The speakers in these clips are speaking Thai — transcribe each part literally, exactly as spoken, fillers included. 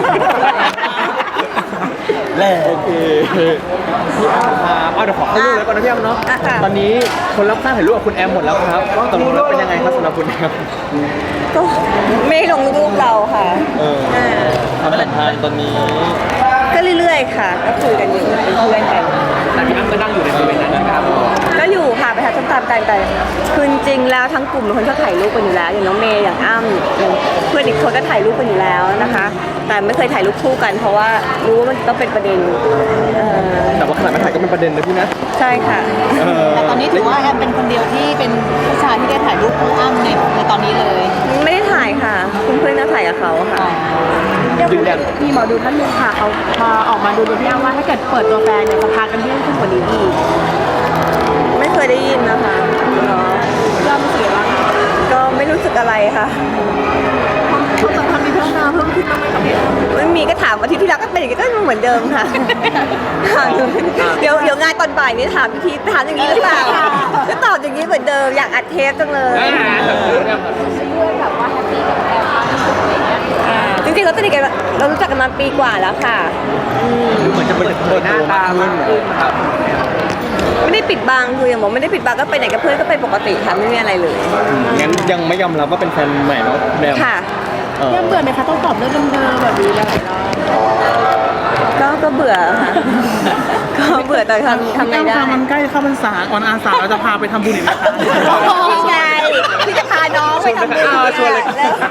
แหละโอเคพี่แอมครับเอาเดี๋ยวขอเข้าเรื่องเลยก่อนนะพี่แอมเนาะตอนนี้คนรับข้างถ่ายรูปกับคุณแอมหมดแล้วครับตกลงแล้วเป็นยังไงครับสำหรับคุณแอมก็ไม่ลงรูปเราค่ะเออความสัมพันธ์ตอนนี้ก็เรื่อยๆค่ะก็คุยกันอยู่เป็นเพื่อนกันแต่พี่แอมก็นั่งอยู่ในบริเวณนั้นนะครับก็อยู่ค่ะไปหาส้มตำกันแต่คือจริงแล้วทั้งกลุ่มเป็นคนชอบถ่ายรูปกันอยู่แล้วอย่างน้องเมย์อย่างอ้ำอย่างเพื่อนอีกคนก็ถ่ายรูปกันอยู่แล้วนะคะแต่ไม่เคยถ่ายรูปคู่กันเพราะว่ารู้ว่ามันต้องเป็นประเด็นแต่ว่าขนาดไม่ถ่ายก็เป็นประเด็นนะพี่นะใช่ค่ะแต่ตอนนี้ถือว่าแอมเป็นคนเดียวที่เป็นผู้ชายที่ได้ถ่ายรูปคู่อ้ำในในตอนนี้เลยไม่ได้ถ่ายค่ะเพื่อนๆก็ถ่ายกับเขาค่ะยืนยันมีหมอดูท่านนึงค่ะเขาพาออกมาดูดูพี่อ้ำว่าถ้าเกิดเปิดตัวแฟนเนี่ยจะพากันยื่นขึ้นกว่านี้อีกไม่เคยได้ยินนะคะเนาะย่อมเสียแล้วก็ไม่รู้สึกอะไรค่ะความสัมพันธ์มีพัฒนาเพิ่มขึ้นบ้างไหมคะพี่ไม่มีก็ถามอาทิตย์ที่แล้วก็เป็นอย่างนี้ก็เหมือนเดิมค่ะเดี๋ยวเดี๋ยวงานตอนบ่ายนี้ถามอีกทีถามอย่างนี้หรือเปล่าก็ตอบอย่างนี้เหมือนเดิมอยากอัดเทปจังเลยแบบว่าแฮปปี้กับแอมจริงๆเราสนิทกันเรารู้จักกันมาปีกว่าแล้วค่ะเหมือนจะเปิดเปิดหน้าตามากขึ้นครับไม่ได้ปิดบังคืออย่างบอกไม่ได้ปิดบังก็ไปไหนกับเพื่อนก็ไปปกติค่ะไม่มีอะไรเลยงั้นยังไม่ยอมรับว่าเป็นแฟนใหม่เนาะแนวค่ะยังเบื่อไหมคะต้องตอบเรื่องเดิมๆแบบนี้หลายรอบก็ก็เบื่อค่ะก็เบื่อแต่ทำทำไงได้มันใกล้เข้าพรรษาออนอาสาเราจะพาไปทำบุญอีกไหมคะนี่ไงพี่จะพาน้องไปทำบุญชวนเลย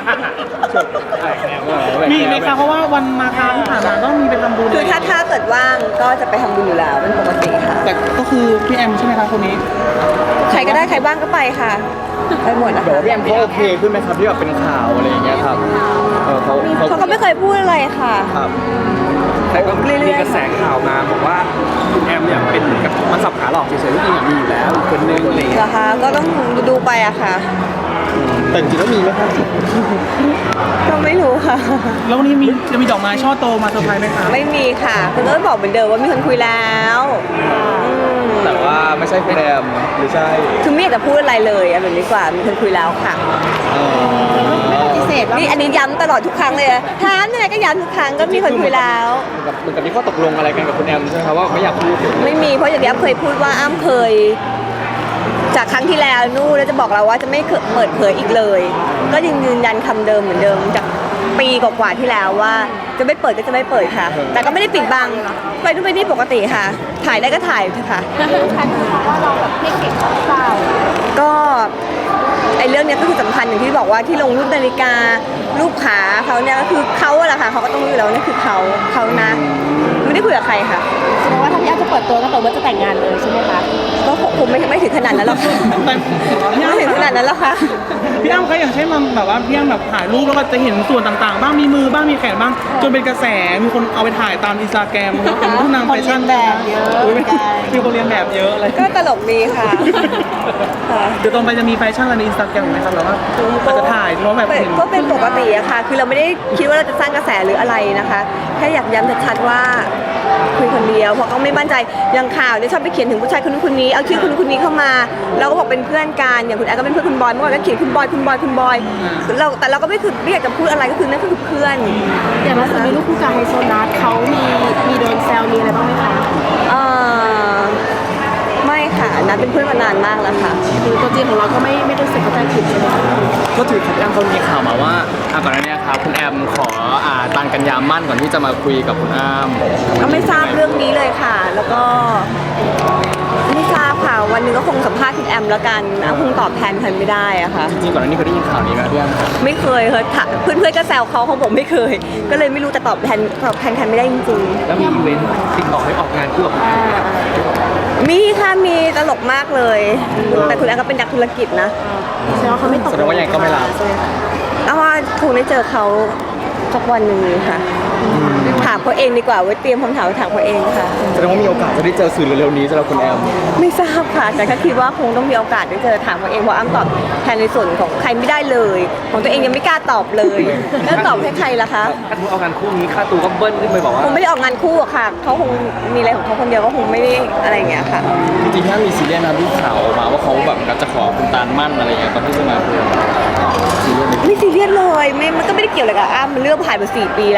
มีไหมคะเพราะว่าวันมาคาที่ผ่านมาต้องมีไปทำบุญคือถ้าถ้าเกิดว่างก็จะไปทำบุญอยู่แล้วเป็นปกติค่ะแต่ก็คือพี่แอมใช่ไหมคะคนนี้ใครก็ได้ใครบ้างก็ไปค่ะไปหมดนะคะพี่แอมเขาโอเคขึ้นไหมครับที่แบบเป็นข่าวอะไรอย่างเงี้ยครับเขาเขาก็ไม่เคยพูดอะไรค่ะครับแต่ก็มีกระแสข่าวมาบอกว่าคุณแอมเนี่ยเป็นกับมันสับขาหลอกเฉยๆที่จริงมีอยู่แล้วคนนึงอะไรอย่างเงี้ยนะคะก็ต้องดูไปอะค่ะแต่จริงๆแล้วมีไหมครับก็ไม่รู้ค่ะแล้ววันนี้มีจะมีดอกไม้ช่อโตมาเซอร์ไพรส์ไหมคะไม่มีค่ะคุณก็บอกเหมือนเดิมว่ามีคนคุยแล้วแต่ว่าไม่ใช่คุณแอมหรือใช่คือไม่อยากจะพูดอะไรเลยอะแบบนี้กว่ามีคนคุยแล้วค่ะไม่ปฏิเสธนี่อันนี้ย้ำตลอดทุกครั้งเลยถามยังไงก็ย้ำทุกครั้งก็มีคนคุยแล้วเหมือนกับที่ข้อตกลงอะไรกันกับคุณแอมใช่ไหมครับว่าไม่อยากพูดไม่มีเพราะอย่างที่อ้ำเคยพูดว่าอ้ำเคยจากครั้งที่แล้วนู่นแล้วจะบอกเราว่าจะไม่เปิดเผยอีกเลยก็ยังยืนยันคำเดิมเหมือนเดิมจากปีกว่าๆที่แล้วว่าจะไม่เปิดก็จะไม่เปิดค่ะแต่ก็ไม่ได้ปิดบังไปนู่นไปนี่ปกติค่ะถ่ายได้ก็ถ่ายเถอะค่ะแล้วลูกค้าคือว่าเราแบบไม่เก่งหรือเปล่าก็ไอ้เรื่องนี้ก็คือสำคัญอย่างที่บอกว่าที่ลงรูปนาฬิการูปขาเขาเนี่ยก็คือเขาแหละค่ะเขาก็ต้องรู้แล้วนี่คือเขาเขานะไม่ได้คุยกับใครค่ะแสดงว่าถ้าพี่อ้ำจะเปิดตัวก็แปลว่าจะแต่งงานเลยใช่ไหมคะก็คงไม่ไม่ถึงขนาดนั้นหรอกไม่ถึงขนาดนั้นหรอกค่ะพี่อ้ำคะอย่างเช่นมันแบบว่าพี่อ้ำแบบถ่ายรูปแล้วก็จะเห็นส่วนต่างๆบ้างมีมือบ้างมีแขนบ้างจนเป็นกระแสมีคนเอาไปถ่ายตามอินสตาแกรมเป็นผู้นำแฟชั่นแบบเยอะมีคนเรียนแบบเยอะเลยก็ตลกดีค่ะเดี๋ยวตรงไปจะมีแฟชั่นอะไรในอินสตาแกรมไหมครับหรือว่าอาจจะถ่ายเพราะแบบก็เป็นปกติอะค่ะคือเราไม่ได้คิดว่าเราจะสร้างกระแสหรืออะไรนะคะแค่อยากย้ำชัดๆว่าคุยคนเดียวเพราะเขาไม่มั่นใจอย่างข่าวเนี่ยชอบไปเขียนถึงผู้ชายคนนู้นคนนี้เอาชื่อคนนู้นคนนี้เข้ามาเราก็บอกเป็นเพื่อนกันอย่างคุณแอร์ก็เป็นเพื่อนคุณบอยเมื่อวานก็เขียนคุณบอยคุณบอยคุณบอยเราแต่เราก็ไม่คือไม่อยากจะพูดอะไรก็คือนั่นก็คือเพื่อนอย่างล่าสุดมีลูกคู่กับไฮโซนัทเขามีมีโดนแซวมีอะไรบ้างไหมคะเออไม่ค่ะนัทเป็นเพื่อนมานานมากแล้วค่ะคือตัวจริงของเราก็ไม่ไม่รู้สึกเข้าใจผิดใช่ไหมก็ถือคุณแอมเขามีข่าวมาว่าก่อนหน้านี้ครับคุณแอมขออ่าตันกันยามั่นก่อนที่จะมาคุยกับคุณอ้ำก็ไม่ทราบเรื่องนี้เลยค่ะแล้วก็ไม่ทราบค่ะวันนึงก็คงสัมภาษณ์คุณแอมแล้วกันอ้ำคงตอบแทนใครไม่ได้อะค่ะจริงๆก่อนหน้านี้เคยได้ยินข่าวนี้ไหมพี่อ้ำไม่เคยเคยเพื่อนเพื่อนก็แซวเขาเขาบอกไม่เคยก็เลยไม่รู้แต่ตอบแทนตอบแทนใครไม่ได้จริงๆแล้วมีอีเวนต์ติดต่อให้ออกงานคู่กับคุณแอมมีค่ะมีตลกมากเลยแต่คุณแอมก็เป็นนักธุรกิจนะแสดงว่าเขาไม่ตกแสดงว่ายังก็ไม่รับเอาว่าคงได้เจอเขาสักวันหนึ่งค่ะถามเขาเองดีกว่าไว้เตรียมคำถามถามเขาเองค่ะแสดงว่ามีโอกาสจะได้เจอสื่อเร็วๆนี้สำหรับคุณแอมไม่ทราบค่ะแต่ก็คิดว่าคงต้องมีโอกาสได้เจอถามเขาเองเพราะอ้ำตอบแทนในส่วนของใครไม่ได้เลยของตัวเองยังไม่กล้าตอบเลยแล้วตอบให้ใครล่ะคะถ้าคุณเอางานคู่นี้ค่าตัวก็เบิ้ลขึ้นไปบอกว่าคงไม่ได้ออกงานคู่อะค่ะเขาคงมีอะไรของเขาคนเดียวก็คงไม่ได้อะไรอย่างเงี้ยค่ะจริงๆถ้ามีซีเรียสนะที่ข่าวมาว่าเขาแบบจะขอคุณตาลมั่นอะไรอย่างเงี้ยตอนที่จะมาคุยไม่ซีเรียสเลยไม่มันก็ไม่ได้เกี่ยวอะไรกับอ้ำมันเรื่องผ่านมาสี่ปีแล้วมันจะไป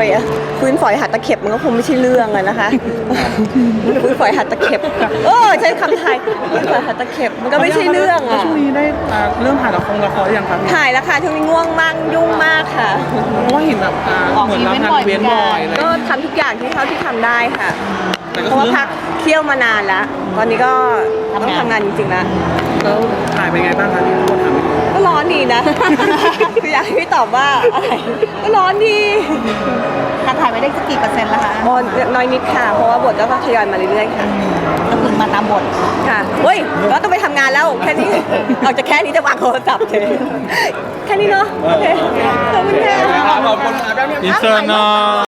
อะฟื้นฝอยหัดตะเข็บมันก็คงไม่ใช่เรื่องอะนะคะฟื้นฝอยหัดตะเข็บเออใช้คำไทยฟื้นฝอยหัดตะเข็บมันก็ไม่ใช่เรื่องแล้วอะช่วงนี้ได้อ่าเริ่มถ่ายละครละครหรือยังครับถ่ายแล้วค่ะช่วงนี้ง่วงมากยุ่งมากค่ะเพราะว่าเห็นแบบอ่าเหมือนรับงานอีเวนต์บ่อยอะไรก็ทำทุกอย่างที่เท่าที่ทำได้ค่ะแต่ก็เพราะคือว่าพักเที่ยวมานานแล้ว ตอนนี้ก็ต้องทำงานจริงๆแล้วแล้วถ่ายเป็นไงบ้างคะที่พูดถามก็ร้อนดีนะ คืออยากให้พี่ตอบว่าอะไรก็ร้อนดีการถ่ายไปได้สักกี่เปอร์เซ็นต์แล้วคะอ๋อน้อยนิดค่ะ เพราะว่าบทก็ทยอยมาเรื่อยๆค่ะก็คือมาตามบทค่ะเฮ้ยก็ต้องไปทำงานแล้วแค่นี้ออกจากแค่นี้จะวางโทรศัพท์เลยแค่นี้เนาะโอเคขอบคุณค่ะขอบคุณครับอินเสิร์ตเนาะ